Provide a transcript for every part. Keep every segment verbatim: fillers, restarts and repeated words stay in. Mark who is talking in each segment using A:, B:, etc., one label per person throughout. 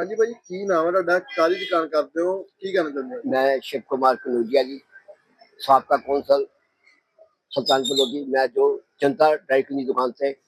A: हाँ जी भाई, की नाम है तुहाडा, काहदी दुकान करते हो, की कहना चाहते हो?
B: मैं शिव कुमार कनूजिया जी, साबका कौंसल सुल्तानपुर लोधी। मैं जो जनता ड्राई क्लीनिंग की दुकान से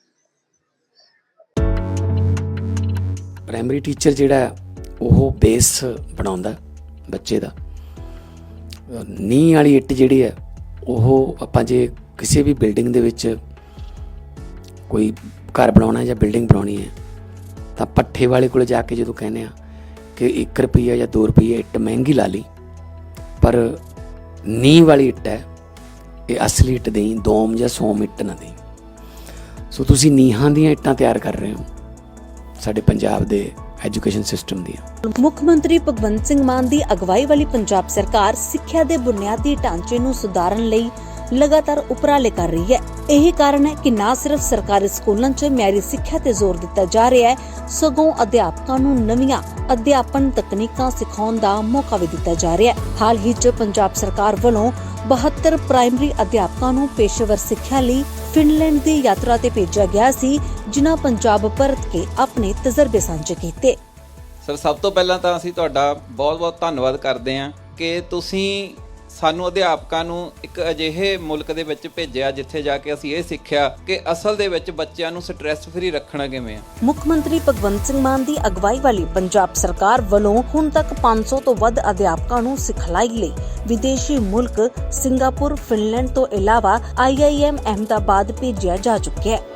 C: ਪ੍ਰਾਇਮਰੀ ਟੀਚਰ ਜਿਹੜਾ ਉਹ ਬੇਸ ਬਣਾਉਂਦਾ ਬੱਚੇ ਦਾ। ਨੀਂਹ ਵਾਲੀ ਇੱਟ ਜਿਹੜੀ ਹੈ ਉਹ ਆਪਾਂ ਜੇ ਕਿਸੇ ਵੀ ਬਿਲਡਿੰਗ ਦੇ ਵਿੱਚ ਕੋਈ ਘਰ ਬਣਾਉਣਾ ਜਾਂ ਬਿਲਡਿੰਗ ਬਣਾਉਣੀ ਹੈ ਤਾਂ ਪੱਠੇ ਵਾਲੇ ਕੋਲ ਜਾ ਕੇ ਜਦੋਂ ਕਹਿੰਦੇ ਆ ਕਿ ਇੱਕ ਰੁਪਈਆ ਜਾਂ ਦੋ ਰੁਪਈਏ ਇੱਟ ਮਹਿੰਗੀ ਲਾ ਲਈ, ਪਰ ਨੀਂਹ ਵਾਲੀ ਇੱਟ ਹੈ ਇਹ ਅਸਲੀ ਇੱਟ ਦੇਈ, ਦੋਮ ਜਾਂ ਸੋਮ ਇੱਟ ਨਾ ਦੇਈ। ਸੋ ਤੁਸੀਂ ਨੀਹਾਂ ਦੀਆਂ ਇੱਟਾਂ ਤਿਆਰ ਕਰ ਰਹੇ ਹੋ ਸਾਡੇ ਪੰਜਾਬ ਦੇ ਐਜੂਕੇਸ਼ਨ ਸਿਸਟਮ ਦੀਆਂ।
D: ਮੁੱਖ ਮੰਤਰੀ ਭਗਵੰਤ ਸਿੰਘ ਮਾਨ ਦੀ ਅਗਵਾਈ ਵਾਲੀ ਪੰਜਾਬ ਸਰਕਾਰ ਸਿੱਖਿਆ ਦੇ ਬੁਨਿਆਦੀ ਢਾਂਚੇ ਨੂੰ ਸੁਧਾਰਨ ਲਈ ਲਗਾਤਾਰ ਉਪਰਾਲੇ ਕਰ ਰਹੀ ਹੈ। ਇਹੀ ਕਾਰਨ ਹੈ ਕਿ ਨਾ ਸਿਰਫ ਸਰਕਾਰੀ ਸਕੂਲਾਂ 'ਚ ਮਿਆਰੀ ਸਿੱਖਿਆ ਤੇ ਜ਼ੋਰ ਦਿੱਤਾ ਜਾ ਰਿਹਾ ਹੈ, ਸਗੋਂ ਅਧਿਆਪਕਾਂ ਨੂੰ ਨਵੀਆਂ ਅਧਿਆਪਨ ਤਕਨੀਕਾਂ ਸਿਖਾਉਣ ਦਾ ਮੌਕਾ ਵੀ ਦਿੱਤਾ ਜਾ ਰਿਹਾ ਹੈ। ਹਾਲ ਹੀ 'ਚ ਪੰਜਾਬ ਸਰਕਾਰ ਵੱਲੋਂ ਬਹੱਤਰ ਪ੍ਰਾਇਮਰੀ ਅਧਿਆਪਕਾਂ ਨੂੰ ਪੇਸ਼ੇਵਰ ਸਿੱਖਿਆ ਲਈ ਫਿਨਲੈਂਡ ਦੀ ਯਾਤਰਾ ਤੇ ਭੇਜਿਆ ਗਿਆ ਸੀ, ਜਿਨ੍ਹਾਂ ਪੰਜਾਬ ਪਰਤ ਕੇ ਆਪਣੇ ਤਜਰਬੇ ਸਾਂਝੇ ਕੀਤੇ।
E: ਸਰ, ਸਭ ਤੋਂ ਪਹਿਲਾਂ ਤਾਂ ਅਸੀਂ ਤੁਹਾਡਾ ਬਹੁਤ-ਬਹੁਤ ਧੰਨਵਾਦ ਕਰਦੇ ਹਾਂ ਕਿ ਤੁਸੀਂ ਸਾਨੂੰ ਅਧਿਆਪਕਾਂ ਨੂੰ ਇੱਕ ਅਜਿਹੇ ਮੁਲਕ ਦੇ ਵਿੱਚ ਭੇਜਿਆ ਜਿੱਥੇ ਜਾ ਕੇ ਅਸੀਂ ਇਹ ਸਿੱਖਿਆ ਕਿ ਅਸਲ ਦੇ ਵਿੱਚ ਬੱਚਿਆਂ ਨੂੰ ਸਟ੍ਰੈਸ ਫਰੀ ਰੱਖਣਾ ਕਿਵੇਂ ਆ।
D: ਮੁੱਖ ਮੰਤਰੀ ਭਗਵੰਤ ਸਿੰਘ ਮਾਨ ਦੀ ਅਗਵਾਈ ਵਾਲੀ ਪੰਜਾਬ ਸਰਕਾਰ ਵੱਲੋਂ ਹੁਣ ਤੱਕ ਪੰਜ ਸੌ ਤੋਂ ਵੱਧ ਅਧਿਆਪਕਾਂ ਨੂੰ ਸਿਖਲਾਈ ਲਈ ਵਿਦੇਸ਼ੀ ਮੁਲਕ ਸਿੰਗਾਪੁਰ, ਫਿਨਲੈਂਡ ਤੋਂ ਇਲਾਵਾ ਆਈ ਆਈ ਐਮ ਅਹਿਮਦਾਬਾਦ ਭੇਜਿਆ ਜਾ ਚੁੱਕਿਆ ਹੈ।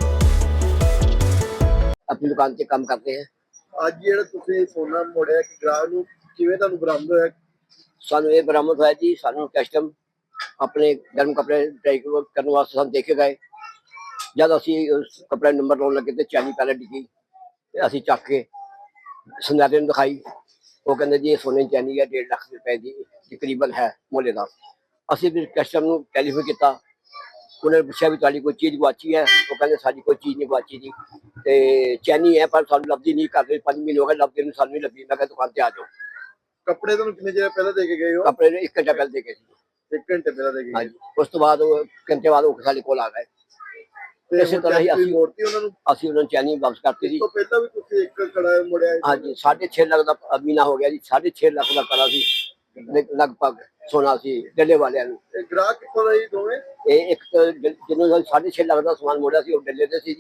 B: अपनी दुकान से काम करते हैं।
A: ਅੱਜ ਜਿਹੜਾ ਤੁਸੀਂ ਸੋਨਾ ਮੋੜਿਆ ਕਿ ਗ੍ਰਾਹਕ ਨੂੰ ਕਿਵੇਂ ਤੁਹਾਨੂੰ ਬਰਾਮਦ ਹੋਇਆ?
B: सानू ये बरामद होया जी, सानू कस्टम अपने गर्म कपड़े ड्राई करने वास्ते सानू देखे गए। जब असी उस कपड़े नंबर लाने लगे तो चैनी पहले डिगी, असी चक के सुनहरे नूं दिखाई। वो कहते जी ये सोने की चैनी है, डेढ़ लाख रुपए की तकरीबन है मुल्य का। असी फिर कस्टम नूं टैलीफोन किया, उन्होंने पूछा भी तुहाडी कोई चीज़ गुआची है? वो कहते साडी कोई चीज़ नहीं गुआची जी, ते चैनी है पर सानू लभदी नहीं, कर पांच महीने हो गए लभदी नहीं, सानू नहीं लभी। मैं दुकान से आ जाओ।
A: ਕੱਪੜੇ ਤੁਹਾਨੂੰ ਕਿੰਨੇ ਚਿਰ ਪਹਿਲਾਂ ਦੇ ਕੇ ਗਏ ਹੋ?
B: कपड़े ने एक घंटा पहले देखे सी।
A: ਇੱਕ ਘੰਟੇ ਪਹਿਲਾਂ ਦੇ ਕੇ
B: हाँ
A: ਗਏ।
B: जी, उस तो बाद घंटे बाद वो साडे कोल आ गए।
A: ਤੇ
B: ਇਸੇ ਤਰ੍ਹਾਂ ਹੀ ਅਸੀਂ
A: ਮੋੜਤੀ ਉਹਨਾਂ ਨੂੰ।
B: ਅਸੀਂ ਉਹਨਾਂ ਨੂੰ ਚੈਨੀ ਵਾਪਸ ਕਰਤੀ
A: ਇਸ
B: ਸੀ।
A: ਤੋਂ ਪਹਿਲਾਂ ਵੀ ਤੁਸੀਂ ਇੱਕ ਕੜਾ ਮੋੜਿਆ ਸੀ।
B: ਹਾਂਜੀ, ਸਾਢੇ ਛੇ ਲੱਖ ਦਾ ਮਹੀਨਾ ਹੋ ਗਿਆ ਜੀ। ਸਾਢੇ ਛੇ ਲੱਖ ਦਾ ਕੜਾ ਸੀ ਲਗਭਗ ਸੋਨਾ ਸੀ ਡੱਲੇ ਵਾਲਿਆਂ ਨੂੰ।
A: ਤੇ ਗ੍ਰਾਹਕ ਕਿੱਥੋਂ ਦਾ ਜੀ ਦੋਵੇਂ?
B: ਇਹ ਇੱਕ ਜਿਹਨੂੰ ਸਾਢੇ ਛੇ ਲੱਖ ਦਾ ਸਮਾਨ ਮੋੜਿਆ ਸੀ ਉਹ ਡੱਲੇ ਦੇ ਸੀ ਜੀ,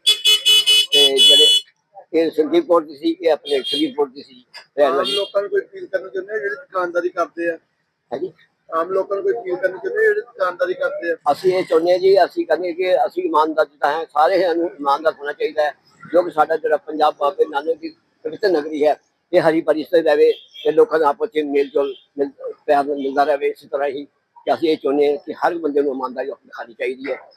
B: ਤੇ ਜਿਹੜੇ ਇਹ ਸੰਦੀਪੁਰ ਦੀ ਸੀ, ਇਹ ਆਪਣੇ ਸੰਦੀਪੁਰ ਦੀ ਸੀ।
A: ਆਮ ਲੋਕਾਂ ਨੂੰ ਕੋਈ ਅਪੀਲ ਕਰਨੀ ਚਾਹੁੰਦੇ ਆ ਜਿਹੜੇ ਦੁਕਾਨਦਾਰੀ ਕਰਦੇ ਆ?
B: ਹਾਂਜੀ,
A: ਆਮ ਲੋਕਾਂ ਨੂੰ ਕੋਈ ਅਪੀਲ ਕਰਨੀ ਚਾਹੁੰਦੇ ਜਿਹੜੇ ਦੁਕਾਨਦਾਰੀ ਕਰਦੇ ਆ?
B: ਅਸੀਂ ਇਹ ਚਾਹੁੰਦੇ ਹਾਂ ਜੀ, ਅਸੀਂ ਕਹਿੰਦੇ ਕਿ ਅਸੀਂ ਇਮਾਨਦਾਰ ਜਿੱਦਾਂ ਹੈ, ਸਾਰੇ ਨੂੰ ਇਮਾਨਦਾਰ ਹੋਣਾ ਚਾਹੀਦਾ ਹੈ, ਜੋ ਕਿ ਸਾਡਾ ਜਿਹੜਾ ਪੰਜਾਬ ਬਾਬੇ ਨਾਨਕ ਦੀ ਪਵਿੱਤਰ ਨਗਰੀ ਹੈ, ਇਹ ਹਰੀ ਭਰੀ ਸੇ ਰਹੇ ਤੇ ਲੋਕਾਂ ਦਾ ਆਪਸ ਵਿੱਚ ਮੇਲ ਜੋਲ ਪਿਆਰ ਮਿਲਦਾ ਰਹੇ। ਇਸੇ ਤਰ੍ਹਾਂ ਹੀ ਕਿ ਅਸੀਂ ਇਹ ਚਾਹੁੰਦੇ ਹਾਂ ਕਿ ਹਰ ਬੰਦੇ ਨੂੰ ਇਮਾਨਦਾਰੀ ਦਿਖਾਉਣੀ ਚਾਹੀਦੀ ਹੈ।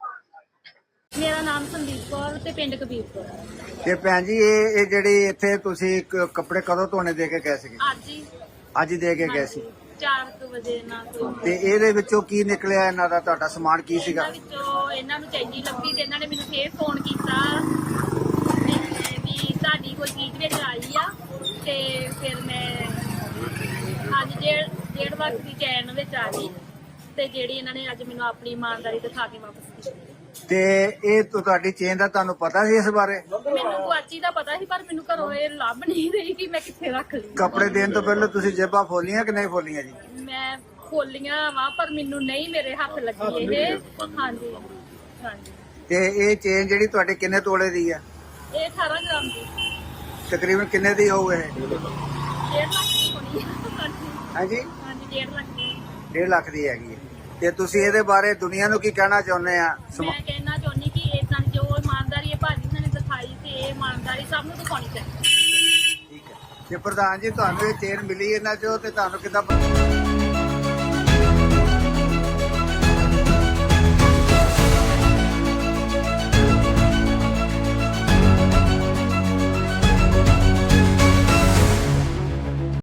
F: ਮੇਰਾ ਨਾਮ ਸੰਦੀਪ ਕੌਰ ਤੇ ਪਿੰਡ ਕਬੀਰਪੁਰ।
G: ਤੇ ਭੈਣ ਜੀ ਇਹ ਇਹ ਜਿਹੜੀ ਇੱਥੇ ਤੁਸੀਂ ਕ- ਕੱਪੜੇ ਕਦੋਂ ਧੋਣੇ ਦੇ ਕੇ ਗਏ ਸੀਗੇ?
F: ਅੱਜ ਹੀ
G: ਅੱਜ ਹੀ ਦੇ ਕੇ ਗਏ ਸੀ।
F: ਚਾਰ ਕੁ ਵਜੇ ਨਾਲ ਤੋਂ
G: ਤੇ ਇਹਦੇ ਵਿੱਚੋਂ ਕੀ ਨਿਕਲਿਆ? ਇਹਨਾਂ ਦਾ ਤੁਹਾਡਾ ਸਮਾਨ ਕੀ ਸੀਗਾ?
F: ਇਹਨਾਂ ਵਿੱਚੋਂ ਇਹਨਾਂ ਨੂੰ ਚੈਨੀ ਲੱਭੀ ਤੇ ਇਹਨਾਂ ਨੇ ਮੈਨੂੰ ਫੇਰ ਫੋਨ ਕੀਤਾ ਤੇ ਵੀ ਤੁਹਾਡੀ ਕੋਈ ਚੀਜ਼ ਵਿੱਚ ਆਈ ਆ, ਤੇ ਫਿਰ ਮੈਂ ਅੱਜ ਡੇਢ ਡੇਢ ਲੱਖ ਦੀ ਚੈਨ ਵਿੱਚ ਆ ਗਈ, ਤੇ ਜਿਹੜੀ ਇਹਨਾਂ ਨੇ ਅੱਜ ਮੈਨੂੰ ਆਪਣੀ ਇਮਾਨਦਾਰੀ ਦਿਖਾ ਕੇ ਵਾਪਸ ਕੀਤੀ।
G: ਤੇ ਇਹ ਤੋਂ ਤੁਹਾਡੀ ਚੇਨ ਦਾ ਤੁਹਾਨੂੰ ਪਤਾ ਸੀ ਇਸ ਬਾਰੇ?
F: ਮੈਨੂੰ ਗੁਆਚੀ ਦਾ ਪਤਾ ਸੀ, ਪਰ ਮੈਨੂੰ ਘਰੋਂ ਇਹ ਲੱਭ ਨਹੀਂ ਰਹੀ ਕਿ ਮੈਂ ਕਿੱਥੇ ਰੱਖ ਲਈ।
G: ਕੱਪੜੇ ਦੇਣ ਤੋਂ ਪਹਿਲਾਂ ਤੁਸੀਂ ਜੇਬਾਂ ਖੋਲੀਆਂ ਕਿ ਨਹੀਂ ਖੋਲੀਆਂ ਜੀ?
F: ਮੈਂ ਖੋਲੀਆਂ ਵਾ ਪਰ ਮੈਨੂੰ ਨਹੀਂ ਮੇਰੇ ਹੱਥ ਲੱਗੀ ਇਹ। ਹਾਂਜੀ ਹਾਂਜੀ।
G: ਤੇ ਇਹ ਚੇਨ ਜਿਹੜੀ ਤੁਹਾਡੇ ਕਿੰਨੇ ਤੋਲੇ ਦੀ ਆ?
F: ਇਹ ਅਠਾਰਾਂ ਗ੍ਰਾਮ ਦੀ।
G: ਤਕਰੀਬਨ ਕਿੰਨੇ ਦੀ ਹੋਊ ਇਹ?
F: ਡੇਢ ਲੱਖ ਦੀ ਹੋਣੀ ਆ।
G: ਹਾਂਜੀ,
F: ਹਾਂਜੀ ਡੇਢ ਲੱਖ ਦੀ।
G: ਡੇਢ ਲੱਖ ਦੀ ਹੈਗੀ ਹੈ। ਤੇ ਤੁਸੀਂ ਇਹਦੇ ਬਾਰੇ ਦੁਨੀਆ ਨੂੰ ਕੀ ਕਹਿਣਾ ਚਾਹੁੰਦੇ ਆ?
F: ਮੈਂ ਕਹਿਣਾ ਚਾਹੁੰਦੀ ਕਿ ਇਦਾਂ ਜੋ ਇਮਾਨਦਾਰੀ ਇਹ ਭਾਜੀ ਨੇ ਦਿਖਾਈ ਤੇ ਇਹ ਇਮਾਨਦਾਰੀ ਸਭ ਨੂੰ ਦਿਖਾਉਣੀ ਚਾਹੀਦੀ।
G: ਠੀਕ ਹੈ। ਤੇ ਪ੍ਰਧਾਨ ਜੀ ਤੁਹਾਨੂੰ ਇਹ ਚੇਨ ਮਿਲੀ ਇਹਨਾਂ ਚੋਂ ਤੇ ਤੁਹਾਨੂੰ ਕਿੱਦਾਂ ਪਤਾ?